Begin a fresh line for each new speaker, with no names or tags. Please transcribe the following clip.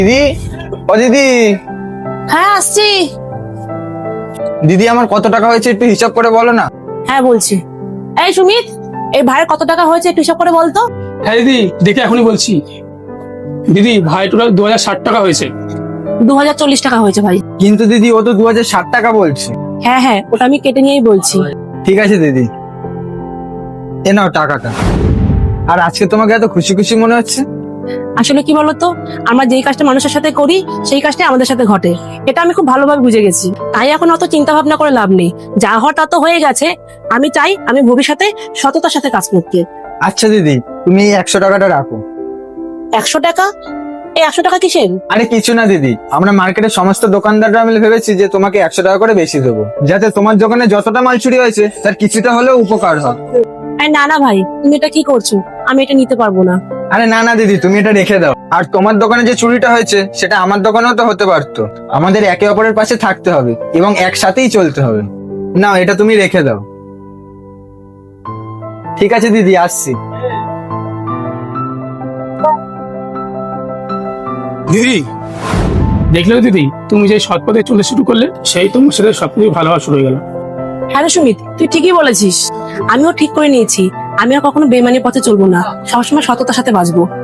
দিদি, ও দিদি।
হ্যাঁ আসছি।
দিদি আমার কত টাকা হয়েছে একটু হিসাব করে বলো না।
হ্যাঁ বলছি। এই সুমিত, এই ভাইয়ের কত টাকা হয়েছে একটু হিসাব করে বলতো।
হ্যাঁ দিদি, দেখে এখনই বলছি। দিদি, ভাই টোটাল 2060 টাকা হয়েছে।
2040 টাকা হয়েছে ভাই।
কিন্তু দিদি ও তো 2060 টাকা বলছে।
হ্যাঁ হ্যাঁ, ওটা আমি কেটে নিয়েই বলছি।
ঠিক আছে দিদি, এ নাও টাকাটা। আর আজকে তোমাকে এত খুশি খুশি মনে হচ্ছে?
আসলে কি বলতো, আমরা যেই কাজটা মানুষের সাথে করি সেই কাজটা আমাদের সাথে ঘটে, এটা আমি খুব ভালোভাবে বুঝে গেছি। তাই এখন অত চিন্তা ভাবনা করে লাভ নেই, যা হওয়ার তা তো হয়ে গেছে। আমি চাই আমি ভবিষ্যতে সততার সাথে কাজ করতে।
আচ্ছা দিদি, তুমি এই 100 টাকাটা রাখো।
100 টাকা? এই 100 টাকা কিসের?
আরে কিছু না দিদি, আমরা মার্কেটের সমস্ত দোকানদাররা মিলে ভেবেছি যে তোমাকে 100 টাকা করে বেশি দেবো, যাতে তোমার দোকানে যতটা মাল চুরি হয়েছে তার কিছুটা হলেও উপকার হয়।
আরে না না ভাই, তুমি এটা কি করছো? আমি এটা নিতে পারবো না।
আরে না না দিদি, তুমি এটা রেখে দাও। আর তোমার দোকানে যে চুরিটা হয়েছে সেটা আমার দোকানেও তো হতে পারতো। আমাদের একে অপরের পাশে থাকতে হবে এবং একসাথেই চলতে হবে। না, এটা তুমি রেখে দাও। ঠিক আছে দিদি, আসছি।
দিদি, দেখলে দিদি, তুমি যে সৎ পথে চলে শুরু করলে, সেই তোমার সাথে সবকিছু ভালো হওয়া শুরু হয়ে গেল।
হ্যাঁ রে সুমিত, তুই ঠিকই বলেছিস। আমিও ঠিক করে নিয়েছি, আমি আর কখনো বেইমানির পথে চলবো না, সবসময় সততার সাথে বাঁচবো।